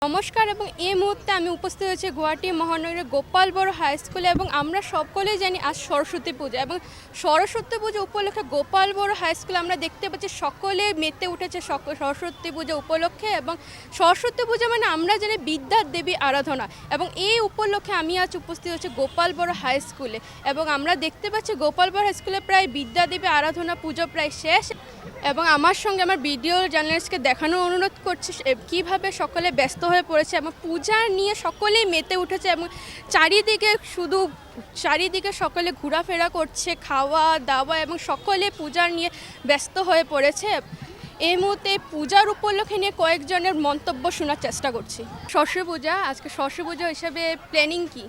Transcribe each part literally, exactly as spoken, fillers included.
নমস্কার এবং এই মুহূর্তে আমি উপস্থিত হয়েছি গুয়াহাটি মহানগরের গোপাল বড় হাই স্কুলে এবং আমরা সকলেই জানি আজ সরস্বতী পূজা এবং সরস্বতী পূজা উপলক্ষে গোপাল বড় হাই স্কুলে আমরা দেখতে পাচ্ছি সকলে মেতে উঠেছে সরস্বতী পূজা উপলক্ষে এবং সরস্বতী পূজা মানে আমরা জানি বিদ্যার দেবী আরাধনা এবং এই উপলক্ষে আমি আজ উপস্থিত হচ্ছি গোপাল বড় হাই স্কুলে এবং আমরা দেখতে পাচ্ছি গোপাল বড় হাই স্কুলে প্রায় বিদ্যা দেবী আরাধনা পুজো প্রায় শেষ এবং আমার সঙ্গে আমার ভিডিও জার্নালিস্টকে দেখানোর অনুরোধ করছি কীভাবে সকলে ব্যস্ত হয়ে পড়েছে এবং পূজা নিয়ে সকলেই মেতে উঠেছে এবং চারিদিকে শুধু চারিদিকে সকলে ঘোরাফেরা করছে খাওয়া দাওয়া এবং সকলে পূজা নিয়ে ব্যস্ত হয়ে পড়েছে। এই মুহূর্তে পূজার উপলক্ষে নিয়ে কয়েকজনের মন্তব্য শোনার চেষ্টা করছি। সরস্বতী পূজা আজকে সরস্বতী পূজা হিসাবে প্ল্যানিং কি?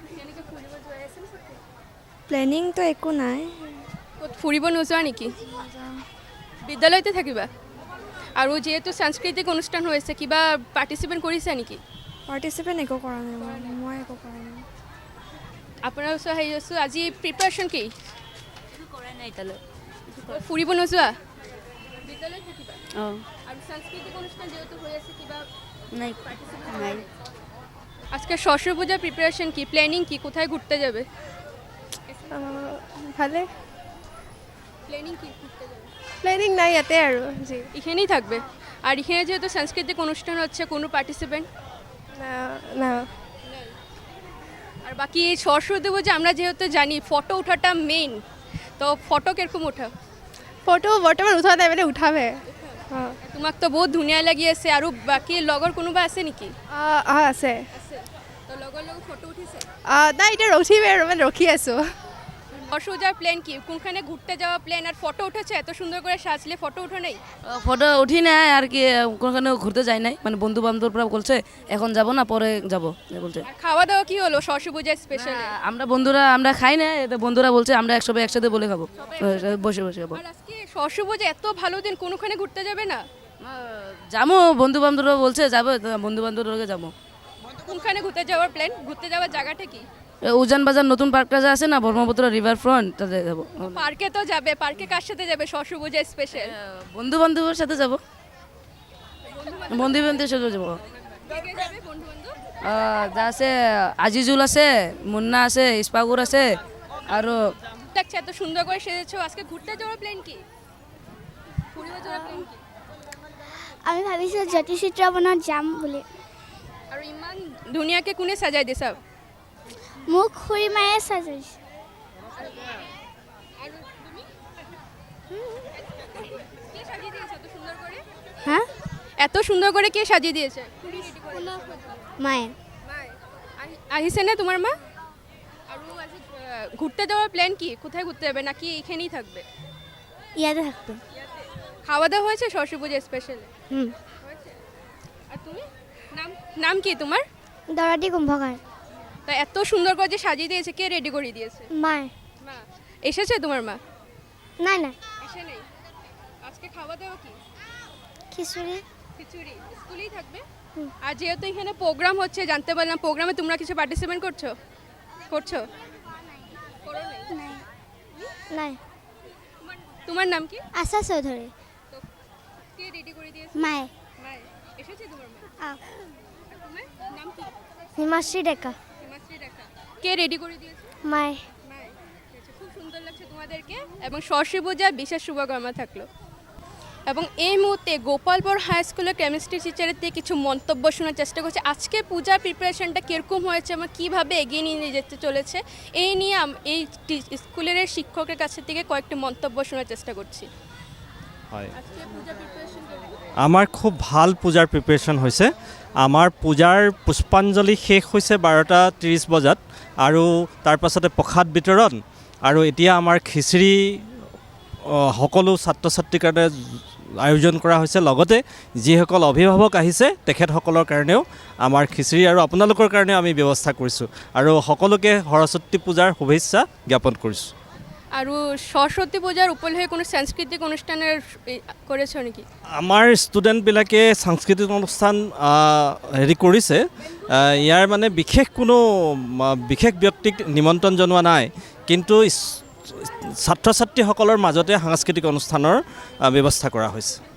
প্ল্যানিং তো একো নাই। ফুৰিব নোযোৱা নেকি? বিদ্যালয়তে থাকিবা আৰু যেহেতু সাংস্কৃতিক অনুষ্ঠান হৈছে কিবা পাৰ্টিচিপেট কৰিছা নেকি? পাৰ্টিচিপেট একো কৰা নাই মই মই একো কৰা নাই। আপোনাৰ ওচৰত হেৰি আছোঁ আজি প্ৰিপাৰেশ্যন কি? কৰা নাই তালৈ। ফুৰিব নোযোৱা? বিদ্যালয়ত থাকিবা? অঁ। আৰু সাংস্কৃতিক অনুষ্ঠান যেহেতু হৈ আছে কিবা নাই নাই। আজকে সরস্বতী পূজার প্রিপারেশন কি, প্ল্যানিং কি, কোথায় ঘুরতে যাবে? ভালে প্ল্যানিং কি ঘুরতে যাবে? প্ল্যানিং নাই ইয়াতে আৰু জি এখানেই থাকবে। আর এখানে যেহেতু সাংস্কৃতিক অনুষ্ঠান হচ্ছে কোনো পার্টিসিপেন্ট না না। আর বাকি এই সরস্বতী পূজা আমরা যেহেতু জানি ফটো উঠাটা মেইন, তো ফটো কিরকম উঠা? ফটো বৰ্তমান উঠোৱা নাই মানে উঠাবে। অঁ তোমাক তো বহুত ধুনীয়া লাগি আছে আৰু বাকি লগৰ কোনোবা আছে নেকি? অঁ আছে। তো লগৰ লগত ফটো উঠিছে? নাই এতিয়া ৰখিবে আৰু মানে ৰখি আছোঁ। সরস্বতী পূজার প্ল্যান কি, কোনখানে ঘুরতে যাওয়া প্ল্যান? আর ফটো উঠেছে এত সুন্দর করে সাজলে, ফটো উঠে নেই? ফটো উঠি নাই আর কি, কোনোখানে ঘুরতে যাই নাই, মানে বন্ধু বান্ধবরা বলছে এখন যাব না পরে যাব বলছে। আর খাওয়া দাওয়া কি হলো সরস্বতী পূজায় স্পেশাল? আমরা বন্ধুরা আমরা খাই না, এটা বন্ধুরা বলছে আমরা একসঙ্গে একসাথে বলে খাবো, বসে বসে খাবো। আর আজকে সরস্বতী পূজা এত ভালো দিন, কোনোখানে ঘুরতে যাবে না? যাবো, বন্ধু বান্ধবরা বলছে যাবো, বন্ধু বান্ধবরা যাবো। কোনখানে ঘুরতে যাওয়ার প্ল্যান? ঘুরতে যাওয়ার জায়গাটা কি? উজান বাজার নতুন পার্কটা যে আছে না ব্রহ্মপুত্র রিভার ফ্রন্ট, তাতে যাবো। পার্কে তো যাবে, পার্কে কার সাথে যাবে সরস্বতী পূজা স্পেশাল? বন্ধু বান্ধবের সাথে যাবো, বন্ধু বান্ধবের সাথে যাবো। যা আছে আজিজুল আছে, মুন্না আছে, ইস্পাগুর আছে আৰু লাগছে এত সুন্দর করে সেজেছো। আজকে ঘুরতে যাওয়ার প্ল্যান কি? ঘুরিব যাওয়ার প্ল্যান কি? আমি ভাবিছোঁ জ্যোতিষিত্ৰবনত যাম বুলি। আৰু ইমান ধুনীয়াকে কোনে সাজাই দিছা? মোক খুৰীমায়ে সাজাইছে। হা এত সুন্দর করে কে সাজিয়ে দিয়েছে? মায়ে। আহিছে না তোমার মা? আৰু আজি ঘুরতে যাওয়ার প্ল্যান কি? কোথায় ঘুরতে যাবে নাকি এখানেই থাকবে? ইয়াতে থাকবে। খাওয়া দাওয়া হয়েছে সরস্বতী পূজা স্পেশাল? হুম। আর তুমি নাম নাম কি তোমার? দৰাটি কুম্ভকাৰ। তা এত সুন্দর করে যে সাজিয়ে দিয়েছে কে রেডি করে দিয়েছে? মায়ে। মা এসেছে তোমার মা? নাই নাই। আসে নেই। আজকে খাওয়া দাওয়া কি? খিচুড়ি। খিচুড়ি। স্কুলেই থাকবে? আর যেহেতু এখানে প্রোগ্রাম হচ্ছে জানতে পারলাম, প্রোগ্রামে তোমরা কিছু পার্টিসিপেট করছো? করছো? করো নাই? নাই নাই। তোমার নাম কি? আশা চৌধুৰী। কে রেডি করে দিয়েছে? মায়ে। মায়ে। এসেছে তোমার মা? আহ, আর তোমার নাম কি? হিমাশ্রী ডেকা। হিমাশ্রী রেখা। কে রেডি করে দিয়েছে? মায়ে। মায়ে। আচ্ছা, খুব সুন্দর লাগছে তোমাদেরকে এবং সরস্বতী পূজার বিশেষ শুভকামনা থাকলো। এবং এই মুহূর্তে গোপালপুর হাই স্কুলের কেমিস্ট্রি টিচারের থেকে কিছু মন্তব্য শোনার চেষ্টা করছি। আজকে পূজার প্রিপারেশনটা কীরকম হয়েছে এবং কীভাবে এগিয়ে নিয়ে যেতে চলেছে এই নিয়ে এই স্কুলের শিক্ষকের কাছ থেকে কয়েকটি মন্তব্য শোনার চেষ্টা করছি। হয়, আমাৰ খুব ভাল পূজাৰ প্ৰিপেৰেশ্যন হৈছে। আমাৰ পূজাৰ পুষ্পাঞ্জলি শেষ হৈছে বাৰটা ত্ৰিছ বজাত আৰু তাৰ পাছতে প্ৰসাদ বিতৰণ আৰু এতিয়া আমাৰ খিচিৰি সকলো ছাত্ৰ ছাত্ৰীৰ কাৰণে আয়োজন কৰা হৈছে। লগতে যিসকল অভিভাৱক আহিছে তেখেতসকলৰ কাৰণেও আমাৰ খিচিৰি আৰু আপোনালোকৰ কাৰণেও আমি ব্যৱস্থা কৰিছোঁ আৰু সকলোকে সৰস্বতী পূজাৰ শুভেচ্ছা জ্ঞাপন কৰিছোঁ। আৰু সরস্বতী পূজার উপলক্ষে কোনো সাংস্কৃতিক অনুষ্ঠানের করেছো নাকি? আমাৰ ষ্টুডেণ্টবিলাকে সাংস্কৃতিক অনুষ্ঠান হেৰি কৰিছে। ইয়াৰ মানে বিশেষ কোনো বিশেষ ব্যক্তিক নিমন্ত্ৰণ জনোৱা নাই, কিন্তু ছাত্ৰ ছাত্ৰীসকলৰ মাজতে সাংস্কৃতিক অনুষ্ঠানৰ ব্যৱস্থা কৰা হৈছে।